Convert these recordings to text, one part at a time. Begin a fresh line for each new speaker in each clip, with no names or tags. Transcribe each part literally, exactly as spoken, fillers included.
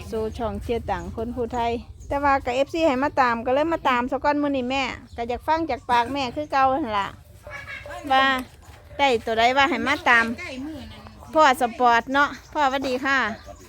สู่ช่องเชียร์ต่างคนผู้ไทยแต่ว่ากับเอฟซีให้มาตามก็เลยมาตามสก้อนมือนี่แม่ก็อยากฟังจากปากแม่คือเก่าหั่นล่ะว่าได้ตัวใดว่าให้มาตามพ่อสปอร์ตเนาะพ่อสวัสดีค่ะ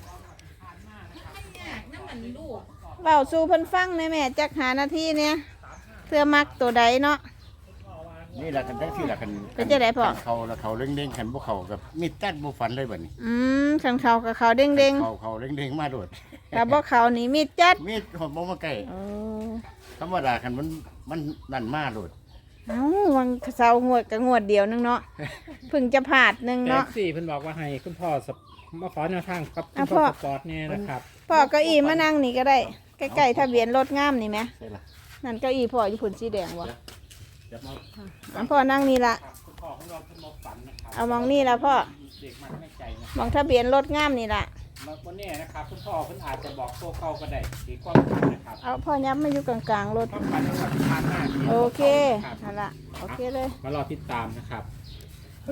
เบาสู่เพิ่นฟังในแม่จักหานาทีเนี่ยเพื่อมักตัวใดเนาะ
นี่แหละกันทั้งที่แหละกัน
เป็นจะได้พ่อ
เขาแล้วเขาเร่งๆขันพวกเขากับมีดตัดบุฟันเลยแบบนี้
อืมขันเขากับเขาเด้งเด้ง
เขาเขาเร่งๆมาโดด
กับบ่เขานี่มีดจัด
มีดหอมมาใกล้
โอ้
ธรรมดาขันมันมันนั่นมาโดด
เอ้าวังเสางวดกับงวดเดียวนึงเนาะเพิ่งจะผ่าดหนึง
แท็
เนาะ
กซี่เพิ่นบอกว่าให้คุณพ่อสปมาขอแนวทางกับคุ
อ่ะ
ณพ่อ
พ่อ
สปอร์ตเนี่ยนะครับ
พ่อเก้าอี้มานั่งนี่ก็ได้ใกล้ๆทะเบียนรถงามนี่ไหม
ใช่ละ
นั่นเก้าอี้พ่ออยู่ผุนสีแดงวะ
เดี๋ยวมา
อันพ่อนั่งนี่ละ
คุณพ่อของเราเพิ่นบอกฝันนะครับ
เอามองนี่ละพ่อ
เด็กมันไม่ใจนะ
มองทะเบียนรถงามนี่ละ
บางคนเนี่ยนะครับคุณพ่อเพิ่นอาจจะบอกโซ่เก่าก็ได้ที่ความฝันนะครับ
เอาพ่อย้ำมาอยู่กลางๆรถ
ความฝันของเราที่ผ่านมาที่
โอเค
ครับ
นั่นละโอเคเลย
มารอติดตามนะครับ
มัน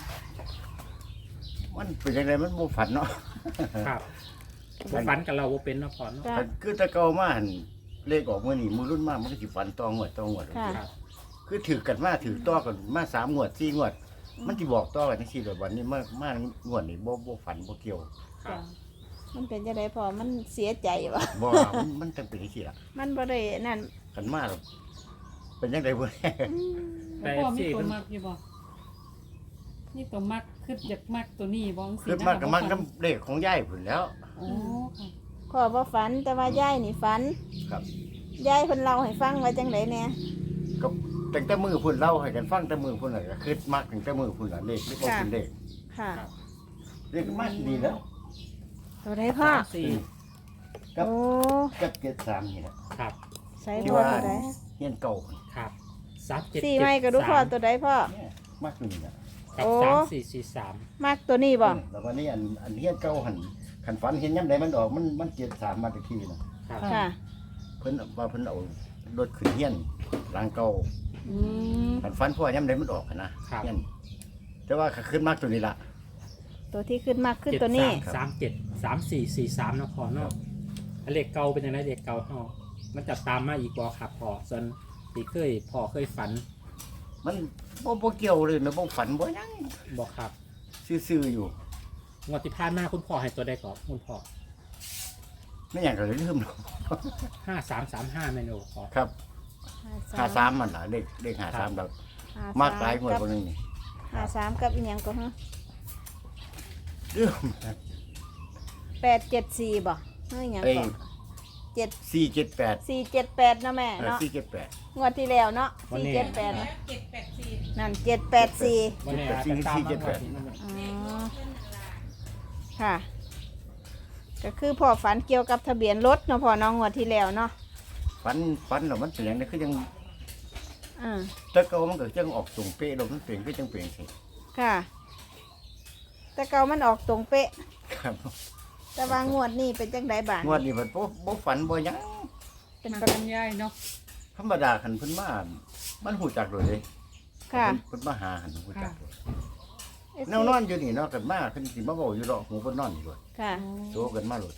มันเป็นยังไงมันบุฟันเนาะ
ครับบ่ฝันกับเราบ่เป็นเนาะพ่อเนาะ
จ้ะ
คือตะเกามาหันเลขออกเมื่อนี่มือรุ่นมากมันก็สิฟันตองหวดตองหวด
ค่ะ
ครับ
คือถือกันมาถือต่อกันมาสามงวดสี่งวด มันจะบอกต่อกันที่สี่วันนี้มามมางวดนี่บ่บ่ฝันบ่เกี่ยว
ครั
จ้ะ
บ
มันเป็นจะได้พ่อมันเสียใจวะ
บ่มันมันจังเป็นที่สี่ละ
มันบ่ได้นั่น
กันมาแล้วเป็นยังไงบ่
แต่
พ่อมี
สี่
ตัว
เพิ่น
มักอยู่บ่นี่ตัวมักคืออยากมักตัวนี้บ่จังซี่
คือมากกับมันกับเลขของยายพุ่นแล้ว
โอ้ค่ะ
พ่อบ่ฝันแต่ว่ายายนี่ฝัน
ครับ
ยายเพิ่นเล่าให้ฟังว่าจังไดแน่
ก็ตั้งแต่มือพุ่นเล่าให้กันฟังแต่มือพุ่นน่ะก็คือมากตั้งแต่มือพุ่นน่ะเลขเลขบ่เป็นเลข
ค่ะ
เลขมากดีแล้ว
ตัวใดพ่อ
สามสี่
ครับ
โอ้
กับเจ็ดสามนี่แหละ
ครับ
ใส่
ที่
พ่อ
ว่า
ตัวใด
เฮียนเก่า
ครับสามเจ็ด
สี่
เจ็ด
ไม้ก็ดูพ่อ
สาม
ตัวใดพ่อ
เนี่ยมากอยู่นี่แหละ
กับ
โอ้
สามสี่สี่สาม
มากตัวนี้บ่
แล้ววันนี้อันอันเฮียนเก่าหันขันฝันเห็นยามใดมันออกมันมันเจ็ดสามมาตะกี้น่ะ
ครับ
ค่ะ
เพิ่นว่าเพิ่นเอารถขึ้นเฮียนหลังเก่า
อืม
ขันฝันพ่อยามใดมันออกอะนะเฮียนแต่ว่าก็ขึ้นมากตัวนี้ล่ะ
ตัวที่ขึ้นมากขึ้น
เจ็ด
ตัวนี้
สามสามเจ็ดสามสี่สี่สามเนาะพอเนาะอันเลขเก่าเป็นยังไงเลขเก่าเฮามันจะตามมาอีกบ่ครับพอส่วนที่เคยพอเคยฝัน
มันบ่บ่เกี่ยวเลยนะบ่ฝันบ่หยัง
บ่ครับ
ซื่อๆอยู่
งวดที่ผ่านมาคุณพ่อให้ตัวใดก่อนคุณพ่อ
ไม่อย่างก็เลยลืมหรอก
ห้าสามสามห้าเมนูพอ
ครับห้าสามมันล่ะเลขเลขห้าสามแบบมากหลายงวด
กับ
บ่นึงนี่
ห้าสามกับอีหยังก็ฮะ
ลืม
แปดเจ็ดสี่บ่เฮ้ยหยัง
เอ้ย
ก็เจ็ด
สี่เจ็ดแปด
สี่เจ็ดแปดนะแม่
เออ
เนาะ
สี่เจ็ดแปด
งวดที่แล้วเนาะสี่เจ็ดแปดนะนั่นเจ็ดแปดสี่
วันนี้อาจจะตามมาก่อน
อ๋อค่ะ ก็คือพ่อฝันเกี่ยวกับทะเบียนรถเนาะพ่อน้องงวดที่แล้วเนาะ
ฝันฝันแล้วมันเป็นอย่างนี้คือยัง
อ่า
แต่เก่ามันก็จังออกตรงเป๊ะลงมันเปลี่ยนก็จังเปลี่ยนสิ
ค่ะ แต่เก่ามันออกตรงเป๊ะ
ครับ
แต่ว่างวดนี้เป็นจังไดบ้าง
งวดนี้มันบ่บ่ฝันบ่หยัง
เป็น
มัก
ประ
กันยายเนาะ
ธรรมดาคันเพิ่นมามันหูจักโดยเลย
ค่ะ
เพิ่นมาหาหันหูจักโดยแนวนอนอยู่นี่เนาะกันมาเพิ่นสิมาเว้าอยู่ดอกหูเพิ่นนอนอยู่ด้วย
ค่ะ
โซกันมาโลด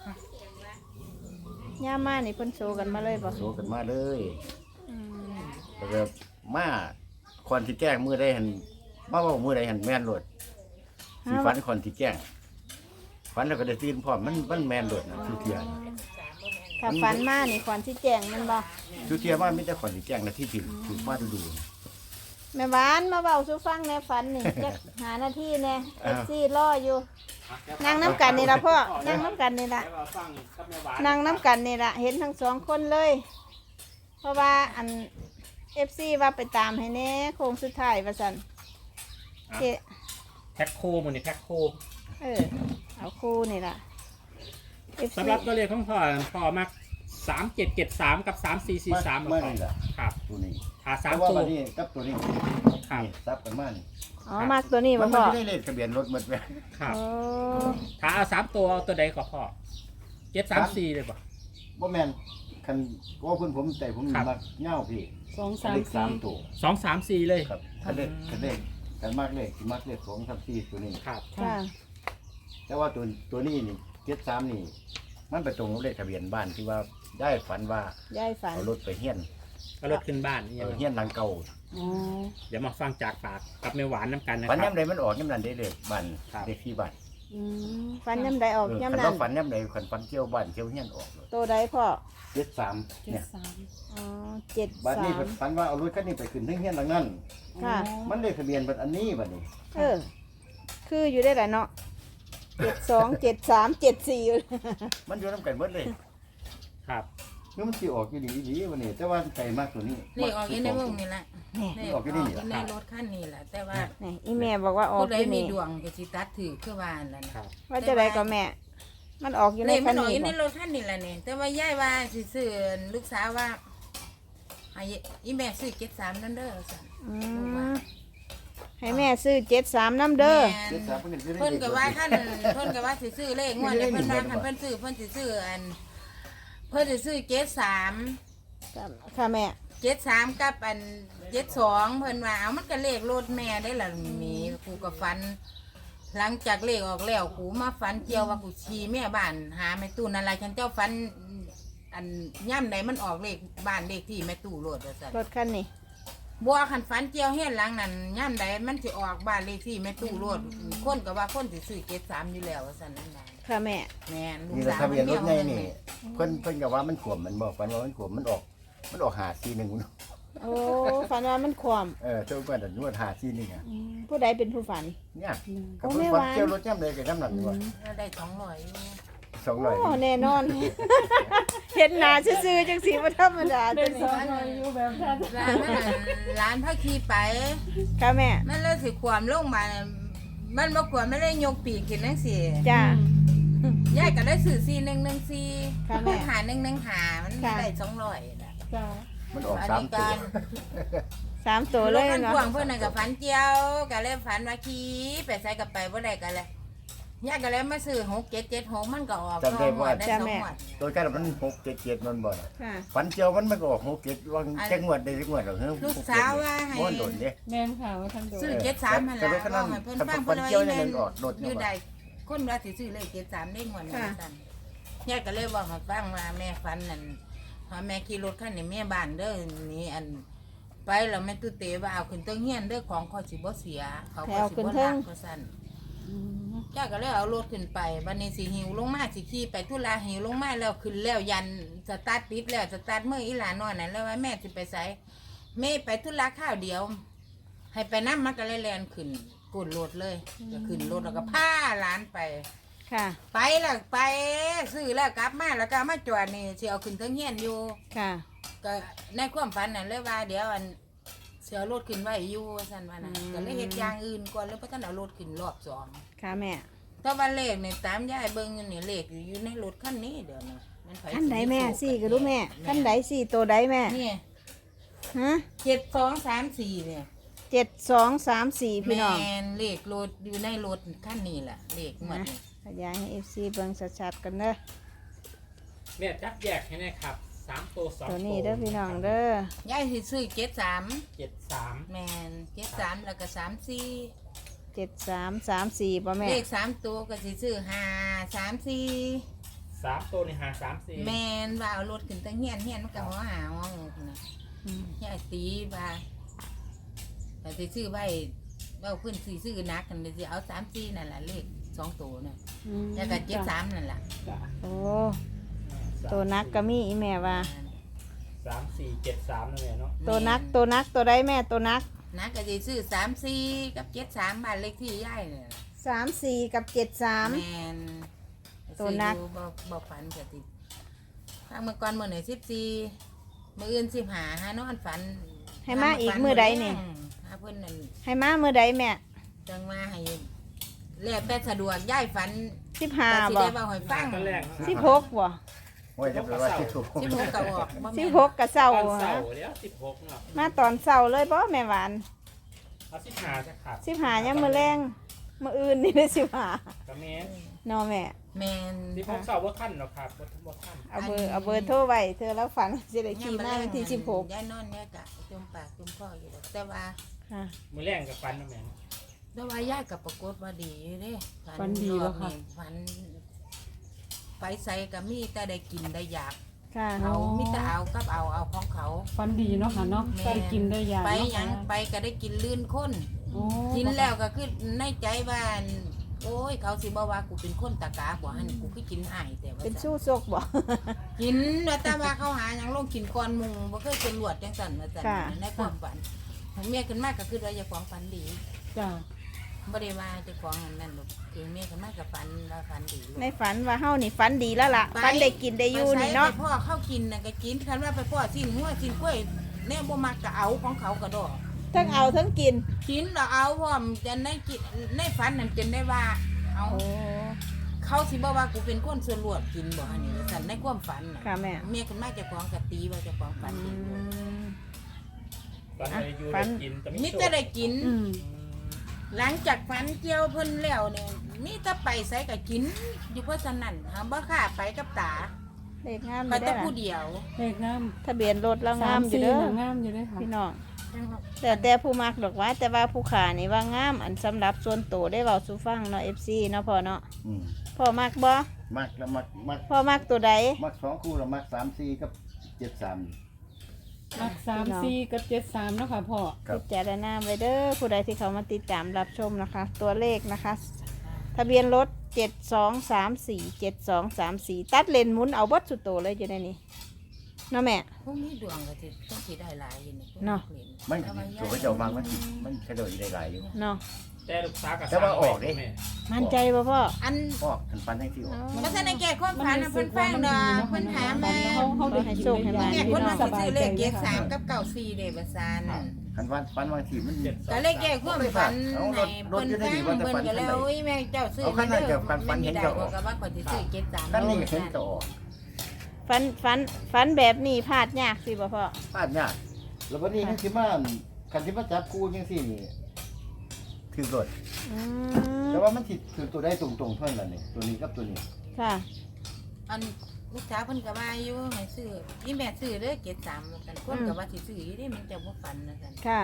ย่ามานี่เพิ่นโซกันมาเลยบ่
โซกันมาเลย
อืม
แล้วก็มาคอนที่แกล้งมือได้หันมาเว้ามือใดหันแม่นโลดสิฝันคอนที่แกล้งฝันแล้วก็ได้ตื่นพร้อมมันมันแม่นโลดนะทุกเที่ย
ถ้าฝันมานี่ควันที่แจ้งแมันบ่
ทุกเที่ยว่ามีแต่คอนที่แกล้งนะที่ถึงถูกมาดูๆ
แม่หวานมาเว้าสู่ฟังในฝันนี่ จักหาหน้าที่แน่
อ้าว
เอฟซีรออยู่นั่งน้ำกันนี่ล่ะพ่อนั่งน้ำกันนี่ล่ะ
แล้วเราฟังกับแม่หวาน
นั่งน้ำกันนี่ล่ะเห็นทั้งสองคนเลย เพราะว่าอันเอฟซีว่าไปตามให้แน่โค้งสุดท้ายว่าซั่นเจ
แพ็คโคมันนี่แพ็คโค
เออเอาคู่นี่ล่ะ เอฟ
สำ
ซี
หรับตัวเลขของพ่อพ่อมักสามเจ็ดเจ็ดสามกับสามสี่สี่สาม
มานี่แหละ
ครับ
ตัวนี้
หาสา
แต่
ม
ว่า
ตัว
วันนี้กับตัวนี้
ครับ
นี่ซับกันมานี่
อ๋อมากตัวนี้
มั
บ่
น
พ่อ
ไม่ได้เลขทะเบียนรถหมดแม่
ครับ
โอ้
ถ้าเอาสามตัวเอาตัวใดก็พ่อเจ็ดสามสี่เลยป่ะ
บ่แม่นคันว่าเพิ่นผมแต่ผม
ครับ
มักเหง้าพี่
สองสาม
เลข
สี่
สามตัว
สองสามสี่เลย
ครับคันเลขคันเลขกันมากเลขสิมักเลขสองสามสี่ตัวนี้
ครับ
ค่ะ
แต่ว่าตัวตัวนี้นี่เจ็ดสามนี่มมันไปตรงกับเลขทะเบียนบ้านที่ว่าได้ฝันว่าย
ายฝัน
เอารถไปเฮียน
ก็รถขึ้นบ้านนี่
เอ
ยัง
อ
ไง
เฮียนหลังเก่า
อ๋อ
เดี๋ยวมาฟังจากปากกับแม่หวานน้ำกันนะค
ฝัน
รับ
ย่ำใดมันออกย่ำนั้นได้เลยบ้าน
ครับ
เลขที่บ้าน
อืม
ฝันยำใดออก
เออย
ำ
คัน
นั้
ว่าน ฝันย่ำใดคันฝันเกี่ยวบ้านเกี่ยวเฮียนออกเลย
โตใดพ่อ
เจ็ดสาม
เจ็
เนี่
ด
ย
สาม
อ๋อเจ็ด
บ้าน
สา
นี้
ม
ฝันว่าเอารถคันนี้ไปขึ้นที่เฮียนหลังนั้น
ค่ะ
มันเลขทะเบียนเป็นอันนี้บัดนี้
เออ คืออยู่ได้หลายเนาะเจ็ดสองเจ็ดสามเจ็ดสี่
มันอยู่น้ำกันเบิดเลย
ครับ
นี่มันสิออกอยู่ดีดีวันนี้แต่ว่าไก่มากตัวนี้
นี่ออกอยู่ในวงนี่แหละ
นี่
นี่
อ
อ
อ
อก ก
อยู่
อยู่
นี่เหรอ
ในรถคันนี้แหละแต่ว่า
นี่อีแม่บอกว่าออก
ผู้ใด
ที่
มีนี่
นี่
ดวงก็สิตัดถือคือว่านั่นแหละ
ครับ
ว่าจะได้ก็แม่ มันออกอยู่ใน
นี่
คั
มัน นออกอ
นี้
ยู่ใน
บ่
รถคันนี้แหละนี่แต่ว่ายายว่าสิซื้อลูกสาวว่าให้อีแม่ซื้อเจ็ดสามนั่นเด้อสั่น
อืมให้แม่ซื้อเจ็ดสามน้ำเด้อ
แม่น
เจ็ดสามเพิ่นก็ซื้อได้
เพิ่น
เลข
ก็ว่าคันเพิ่นก็ว่าสิซื้อเลขงวดนี้เพิ่นว่าคันเพิ่นซื้อเพิ่นสิซื้ออัน เพิ่นสิซื้อเจ็ดสาม
ค่ะแม่
เจ็ดสามกับอันเจ็ดสองเพิ่นว่าเอามันก็เลขรถแม่ได้ล่ะมีกูก็ฝัน หลังจากเลขออกแล้วกูมาฝันเกี่ยวว่ากูขี่แม่บ้าน หาแม่ตู้นั่นแหละฉันเจ้าฝันอันย่ำใดมันออกเลขบ้านเลขที่แม่ตู้โลดว่าซั่น
รถคันนี้
บัวคันฝันเกี่ยวเฮ็ดหลังนั้นย่ำใดมันสิออกบ้านเลขที่แม่ตู้โลดคนก็ว่าคนสิซื้อเจ็ดสามอยู่แล้วว่าซั่นนั่นน่ะ
ค่ะแม่
แม่นลูก
นี่แหละ
สาว
ทะเบียนรถไง
มั
นี่เพิ่นเพิ่นก็ว่ามันขวมมันบอกฝันว่ามันขวมมันออก มันออกหาซีหนึ่ง
โอ้ฝันว่ามันความ
เออเจ้าก็แต่นวดหาซีนี่ไง
ผู้ใดเป็นผู้ฝัน
เนี่ย
โอ้
ก็
แม่
เพิ่น
หวาน
ฝันเกี่ยวรถย่ำเลยกับย่ำหนักด้วย
ได้สองร้อยอยู่
สองร้อย
โอ้แน่นอน เห็นหน้าซื่อๆจังสีบ่ธรรมดา
ได้
จัง
ส
นี้
องร้อยอยู่แบบนั้น
ร้านมันน่ะร้านพระขี่ไป
ค่ะแม่
มันเลยสิความลงมาน่ะมันบ่ความไม่ได้ยกปีกขึ้นจังซี่
จ้า
ยายก็ได้สื่อซีหนึ่งหนึ่งซี
ค่ะแม่
หาหนึ่งหนึ่งหามัน
ค่ะ
ได้สองร้อยนะ
จ้า
มันออก
อัน
สาม
นี้
ตัว
การ
สามตัวเลย
รถคัน
เนาะ
พ่วงเพื่อนน่ะกับฝันเจียวก็เลยฝันว่าขี่ไปใส่กับไปบ่ได้กันเลยยายก็เลยมาซื้อหกเจ็ดเจ็ดหกมันก็ออกสองหมวดได้สองหมวด
ตัวกันมันหกเจ็ดเจ็ดมันบ่น่ะ
ค่ะ
ฝันเกี่ยวมันมันก็ออกหกเจ็ดวางแจ้งงวดได้จังงวดเหรอเฮ้ย
ลูกสาวว่าให้
ม้วนโดนเด้
แม่นค่ะว่าท่านโด
ซื้อเจ็ดสามมันละว่าให้เพื่อนฟังเพื่อนว่าอีแม่นอยู่ใดคนว่าสิซื้อเลขเจ็ดสามได้หมวดนั้นสั่นยายก็เลยบอกให้ฟังว่าแม่ฝันนั่นพอแม่ขี่รถคันนี้แม่บ้านเด้อนี่อันไปแล้วแม่ตู้เตะว่าเอาขึ้นเติ้งเฮียนเด้อของคอยสิบ่เสียเขาก็สิบ่รักก็สั่น
อืม
จ้าก็เลยเอารถขึ้นไปบันนี้สิหิวลงมาสิขี่ไปทุลาหิวลงมาแล้วขึ้นแล้วยันสตาร์ทติดแล้วสตาร์ทเมื่ออีหลานนอนนั่นแล้วว่าแม่สิไปไสแม่ไปทุลาข้าวเดียว ให้ไปน้ำมันก็เลยแลนขึ้นกดรถเลยก็ขึ้นรถแล้วก็พาหลานไป
ค่ะ
ไปแล้วไปซื้อแล้วกลับมาแล้วก็มาจอดนี่สิเอาขึ้นเทิงเฮียนอยู่
ค่ะ
ก็ในความฝันนั่นเลยว่าเดี๋ยวอันเสียรถขึ้นไว้อยู่สั่นว่านะก็เลยเฮ็ดอย่างอื่นก่อนแล้วพระท่านเอารถขึ้นรอบสอง
ค่ะแม่
แต่ว่าเลขเนี่ยตามยายเบิ่งอยู่นี่เลขอยู่ในรถคันนี้เดี๋ยวนะมันไผ
ขั้นใดแม่สี่ก็รู้แม่ขั้นใดสี่ตัวใดแม่
นี่
ฮะ
เจ็ดสองสามสี่เนี่ย
เจ็ดสองสามสี่พี่
แม
น้อง
นเลขรถอยู่ในรถคันนี้แหละเลขหมดนี่
ขยายให้เอฟซีเบิ่งชัดๆกันเด้อ
แม่จับแยกให้แน่ครับสามตัวสอง
ตัวนี้เด้อพี่น้องเด้อย
ายสิซื้อเจ็ดสาม
เจ็ดสาม
แมนเจ็ดสามแล้วก็สามสี่
เจ็ดสามสามสี่ป่ะแม่
เลขสามตัวก็สิซื้อห้าสามสี่
สามตัวนี่หาสามสี่
แมนว่าเอารถขึ้นตั้งเฮียนเฮียนมันก็หัวหาหัวงกนะ
อืม
ยายตีว่าแต่สิซื้อไว้ว่าขึ้นสิซื้อนักกันเลยสิเอาสามสี่นั่นแหละเลขสองตัวน่ะ
อืม
แล้วก็เจ็ดสามนั่นแหละ
จ้า
โอ้ตัวนักก็มีอีแม่ว่า
สามสี่เจ็ดสามนั่นแหละเนาะ
ตัวนักตัวนักตัวใดแม่ตัวนัก
นักก็สิซื้อสามสี่กับเจ็ดสามบ้านเลขที่ยายเนี่ย
สามสี่กับเจ็ดสาม
แมน
ตัวนัก
ซื้ออยู่บ่บ่ฝันก็ติทางเมื่อก่อนเมื่อไหร่สิบสี่มื่ออื่นสิบหาหานอนฝัน
ให้มาอีกมือใดนี่
หาเพิ่นนั่น
ให้มามือใดแม่
จังมาให้แล้วแต่สะดวกย้ายฝัน
สิบห้า
ก็สิ
บ่
ได้เว้าให้ฟัง
ตอนแรก
สิบหกบ่
โอ้ยจะไปว่าที่ถูก
สิบหกก็ออกบ่แม่น
สิบหกกับเศร้า
ตอนเสา
ฮะ
ร์เดี๋ยวสิบหกเนาะ
มาตอนเศร้าเลยบ่แม่หวาน
เอาสิบห้าจะขาด
สิบห้ายังมือแรงมืออื่นนี่เลยสิบห้า
ก็แม่น
เนอแม่
แม่น
สิบหกเสาร์ว่าขั้นเนาะครับว่าว่าขั้น
เอาเบอร์เอาเบอร์โทรไว้เธอแล้วฝันสิได้ขี่มาวันที่สิบหก
ยายนอนเนี่ยกะจมปากจมคออยู่ดอกแต่ว่า
ค่ะ
มือแรงกับฟันนะแม่เนาะ
แต่ว่ายายกับปรากฏว่าดีอยู่เด้
ฝันดีแล้วค่ะ
ฝัน ฝัใส่ก็มีแต่ได้กินได้อยาก
ค่ะ
เอามีแต่เอากับเอาเอาของเขา
ฟันดีเนาะค่ะเนาะ
แม่
ได้กินได้ยา
ไป
เนาะ
หยังไปก็ได้กินลื่นคน
โอ้
กินแล้วก็คือในใจว่าโอ้ยเขาสิบ่ว่ากูเป็นคนตะกาบ่หั่นกูคือกินหายแต่ว่า
เป็นสู้ซกบ่
กินว่าแต่ว่าเขาหาหยังลงกินก่อนหมู่บ่เคยเป็นหลวดจังซั่นว่าซั่น
ค่ะ
ในความฝันเมียขึ้นมาก็คือว่าอย่าของฝันดี
จ้า
บ่ได้ว่าเจะของอันนั้นหรอกเองเมียขึ้นมาก็ฝันว่าฝันดีลูก
ในฝันว่าเฮานี่ฝันดีแล้วล่ะฝันได้กินได้อยู่นี่เนาะ
ไปพ่อเข้ากินน่ะก็กินคันว่าไปพ่อสิ้นหัวสิ้นกล้วยแน่บ่มักก็เอาของเขาก็ดอก
ทั้งเอาทั้งกิน
กินแล้วเอาพร้อมจะในกินในฝันนั่นจนได้ว่า เอา
โอ้
เขาสิบ่ว่ากูเป็นคนส่วนรวดกินบ่อันนี้สั่นในความฝันน่ะ
ค่ะแม่
เมียขึ้นมาเจะของกะตีว่าเจะของฝัน
อื
ดีอยู่
ม
ตอนอายุ
ฝั
ได้
น
กินแต่
มี
ไม่โช
แต่
ค
ได้กิน
อืม
หลังจากฝันเกี่ยวเพิ่นแล้วเนี่ยมีแต่ไปใส่ก็กิน อยู่เพราะฉะนั้นหาบ่ค่าไปกับตา
เลขงามอ
ไป
ยู่
แต่
ได้อ
ผู้
ล่ะ
เดียว
เลขงาม
ทะเบียนรถแล้วงามอยู่
สี่
เด้อ
น่ะงามอยู่เด้อค่ะ
พี่น้องแต่แต่ผู้มักดอกว่า แต่ว่าผู้ขานี่ว่างามอันสำหรับส่วนตัวได้เว้าสู่ฟังเนาะ เอฟ ซี เนาะพ่อเนาะ
อืม
พ่อมักบ่
มักแล้วมักมัก
พ่อมักตัวใด
มักสองคู่แล้วมักสามสี่กับเจ็ดสาม
มักสามสี่กับเจ็ดสามเนาะค่ะพ่อ
ครับ
พิจารณาไว้เด้อผู้ใดที่เขามาติดตามรับชมนะคะ ตัวเลขนะคะ ทะเบียนรถเจ็ดสองสามสี่เจ็ดสองสามสี่ตัดเลนหมุนเอาเบดสุดโตเลยอยู่ในนี้เนาะแม่
พวกนี้ดวงก็สิต้องสิได้หลายอยู่นี่
เนาะ
มันตัวเขาเจ้าบางมันสิมันกระโดดได้หลายอยู่
เนาะ
แต่ลูกสาวกับ
แต่ว่าออกดิ
แม่
มั่นใจป่ะพ่อ
อัน
พ่อทันฟันให้ที่ออก
บ่ทันได้แก้ความฝันน่ะเพิ่นฟังดอกเพิ่นถามมา
เขาเขาได้กินได้ยา
แม่
พี่
คน
น้อ
มาง
ส
สิ
บาย
ซื้อ
ใจ
เลขเจ็
เด้อ
ด
ค่ะ
สามกับเก้าสี่เด้บ่ซานน่ะ
ทันฟันฟันบางทีมัน
เจ็ดสอง
ก็เลยแก้ความฝัน
เอาร
ให้
ถร
เพิ่
ถ
น
จะได้
ฟัง
ดีว่าแต่
เพิ่น
ฝัน
ก็เลย
เท่าไหร่
โอ้ยแม่เจ้าซื้อ
เอาคันนั้นกับฝันฝันเห็น
ได้
เจ้า
ก็ว่าคนสิซื้อเจ็ดสาม
นั่นนี่เห็นก็ออก
ฟันฟันฟันแบบนี้พลาดยากสิบ่พ่อ
พลาดยากแล้ววันนี้คันสิมาคันสิมาจับคู่จังซี่นี่ถือรถ
อืม
แต่ว่ามันสิถือตัวได้ตรงๆเท่านั้นนี่ตัวนี้กับตัวนี้
ค่ะ
อันลูกสาวเพิ่นก็ว่าอยู่ให้ซื้อนี่แม่ซื้อเด้อเจ็ดสามกันคนก็ว่าสิซื้ออยู่เด้มันจะบ่ฝันนะกัน
ค่ะ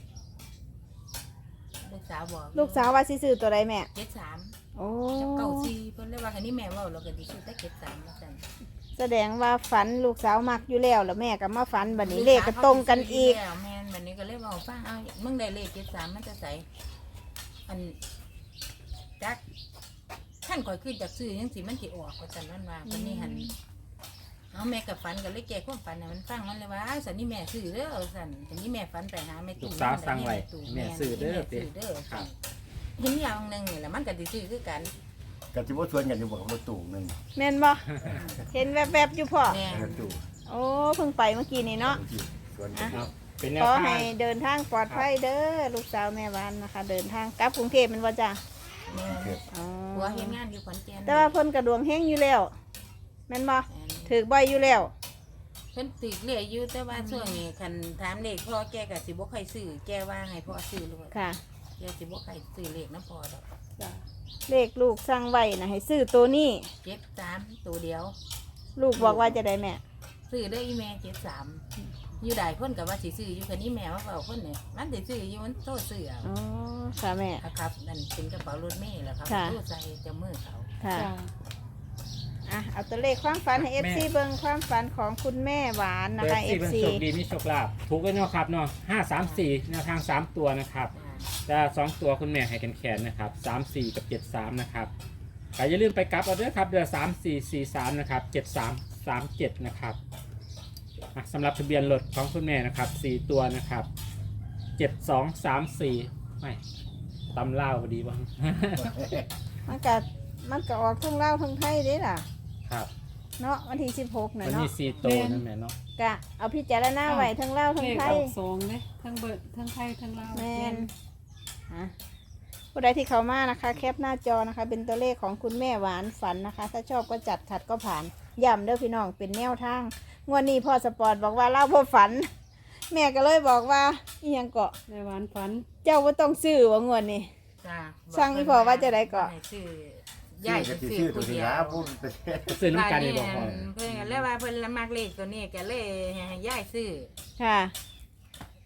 ลูกสาวบอก
ลูกสาวว่าสิซื้อตัวใดแม่
เจ็ดสาม
โอ้
กับเก้าสี่เพิ่นเลยว่าคันนี้แม่เว้าเราก็สิซื้อแต่เจ็ดสามว่าซั่น
แสดงว่าฝันลูกสาวมักอยู่แล้วแล้วแม่ก็มาฝันบัดนี้เลขก็ตรงกันอีก
แล้วแม่นบัดนี้ก็เลยเว้าฟังเอามึงได้เลขเจ็ดสามมันจะใส่อันจักท่านข่อยขึ้นจากซื้อจังสิมันสิออกว่าซั่นนั่นว่าวันนี้หั่นเอาแม่กับฝันก็เลยแก้ความฝันให้มันฟังมันเลยว่าอ้าวสันนี่แม่ซื้อเด้อสันสันนี่แม่ฝันไปหาแม่
ลู
ตู่
กสาวสั่งไว้
ตู่
แม่ซื้อเด้อ
แม่
เด้
ซื้อเด้อ
ครับ
เห็นอย่างหนึงนี่แหละมันก็สิซื้อคือกัน
กับที่ว่าชวนกันอยู่บอกกับรถตู้หนึง
แม่นบ่เห็นแวบๆอยู่พ่อ
แม่
รถตู้
โอ้เพิ่งไปเมื่อกี้นี่เนาะ
ชวนกัน
ครับเป็นแน
ข
ว
อ
ทา
ให้
ง
เดินทางปลอดภัยเด้อลูกสาวแม่วานนะคะ เดินทางกลับกรุงเทพแมันว่าจ้ะ
แม่
อ๋อ
ผัวเฮ็ดงานอยู่ขอนแก่น
แต่ว่าเพิ่นกระดวงแห้งอยู่แล้วแม่นบ่
แม่น
ถือบ่อยอยู่แล้ว
เพิ่นตึกเรื่อยอยู่แต่ว่าช่วงนี้คันถามเลขพ่อแกก็สิบ่ค่อยซื้อแกว่าให้พ่อซื้อลูก
ค่ะ
แกสิบ่ค่อยซื้อเลขน้ำพ่อดอก
เลขลูกสั่งไว้นะให้ซื้อตัวนี้
เจ็ดสามตัวเดียว
ลูกบอกว่าจะได้แม่
ซื้อได้อีแม่เจ็ดสามอยู่ได้คนก็ว่าสิซื้ออยู่คันนี้แม่ว่าเว้าคนเนี่ยมันสิซื้ออยู่มันโทษซื้อเอา
อ๋อค่ะแม่
ครับนั่นเป็นกระเป๋ารถเมล์แหละครับ
ค่ะ
รูดใส่จะมือเขา
ค่ะ
จ้า
อ่ะเอาตัวเลขความฝันให้ เอฟ ซี เบิ่งความฝันของคุณแม่หวานนะ
เปิด
คะ
สี่เป็น
เอฟ ซี
โชคดีมีโชคลาภถูกกันเนาะครับเนาะห้าสามสี่แนวทางสามตัวนะครับ แต่สองตัวคุณแม่ให้กันแขนนะครับสามสี่กับเจ็ดสามนะครับแต่อย่าลืมไปกลับเอาด้วยครับเดือนสามสี่สี่สามนะครับเจ็ดสามสามเจ็ดนะครับอ่ะสำหรับทะเบียนรถของคุณแม่นะครับสี่ตัวนะครับเจ็ดสองสามสี่ไม่ตำเล่าวพอดีบ้าง
มันก็มันก็ออกทั้งลาวทั้งไทยเด้ล่ะ
ครับ
เนาะวันที่สิบหกน่ะ
มัน
เนาะ
มีสี่ตัวนั่นแหละเนาะ
กะเอาพิจารณาไว้ทั้งลาวทั้
เล
ง
ข
ไท
อย อกสองเลยทั้งเบิดทั้งไทยทั้งลาว
แมนฮะผู้ใดที่เข้ามานะคะ แคปหน้าจอนะคะ เป็นตัวเลขของคุณแม่หวานฝันนะคะ ถ้าชอบก็จัดขัดก็ผ่านย้ำเด้อพี่น้องเป็นแนวทางงวดนี้พ่อสปอร์ตบอกว่าเล่าพ่อฝัน แม่ก็เลยบอกว่าอีหยังเกาะ
ในหวานฝัน
เจ้าว่าต้องซื้อว่างวดนี้
จ้า
สั่งอีพ่อว่าจะได้ก่อน
ให้ซื้อ
ใหญ่
ยาย
จะ
จะ
ซื้
ซื้
อ
อ
ตัว
ผู้
นี้
เดียว
ละพูดไป
ซื้อน้ำกันนี่บอกพ่อ
เพิ่นก็เลยว่าเพิ่นละมักเลขตัวนี้ก็เลยให้ยายซื้อ
ค่ะ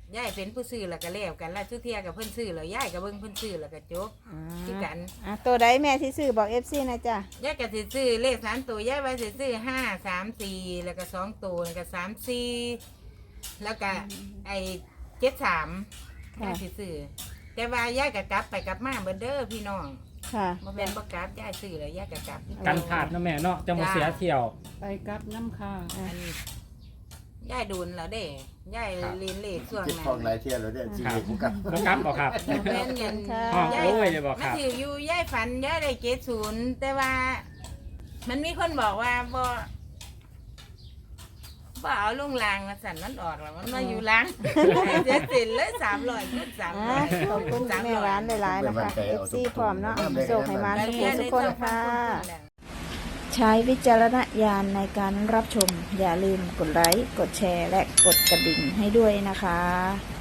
ยายเป็นผู้ซื้อแล้วก็แล้วกันแล้วทุกเที่ยกับเพิ่นซื้อแล้วยายก็เบิ่งเพิ่นซื้อแล้วก็จบ
อ่า
คือกัน
อ่ะตัวใดแม่ที่ซื้อบอกเอฟซีนะจ้ะ
ยายก็สิซื้อเลขสามตัวยายว่าสิซื้อห้าสามสี่แล้วก็สองตัวแล้วก็สามสี่แล้วก็ไอ้เจ็ดสามยายสิซื้อแต่ว่ายายก็กลับไปกลับมาเบิดเด้อพี่น้อง
ค่ะ
บ่แม่นบ่กลับยายซื้อแล้วยายก็กลับ
กันพลาดเนาะแม่เนาะจังหวะเสียเที่ยว
ไปกลับน้ำค่ะ
อันนี้ยายดูนแล้วเด้ยายเรียนเลขช่วง
คิด
นั้น
ฟองหลายเที่ยวแล้วเด้อชีวิตกูกับ
บ่กลับบ่ครับ
แม่นเงิน
ห้อง
ยาย
โอ้ยเลยบ่ค
มา
รับ
ถืออยู่ยายฝันยายได้เจ็ดศูนย์แต่ว่า มันมีคนบอกว่าบ่บ่เอาลงรางมาสั่นมันออกแล้วมันมาอยู่รางเสียสินเลยสามร้อยขึ้นสาม
อ่ะ
ร้อย
ขอบคุณแม่ร้านหลายๆนะคะเอฟซีพร้อมเนาะโชคให้มาทุกคนทุกคนค่ะ ใช้วิจารณญาณในการรับชม อย่าลืมกดไลค์ กดแชร์ และกดกระดิ่งให้ด้วยนะคะ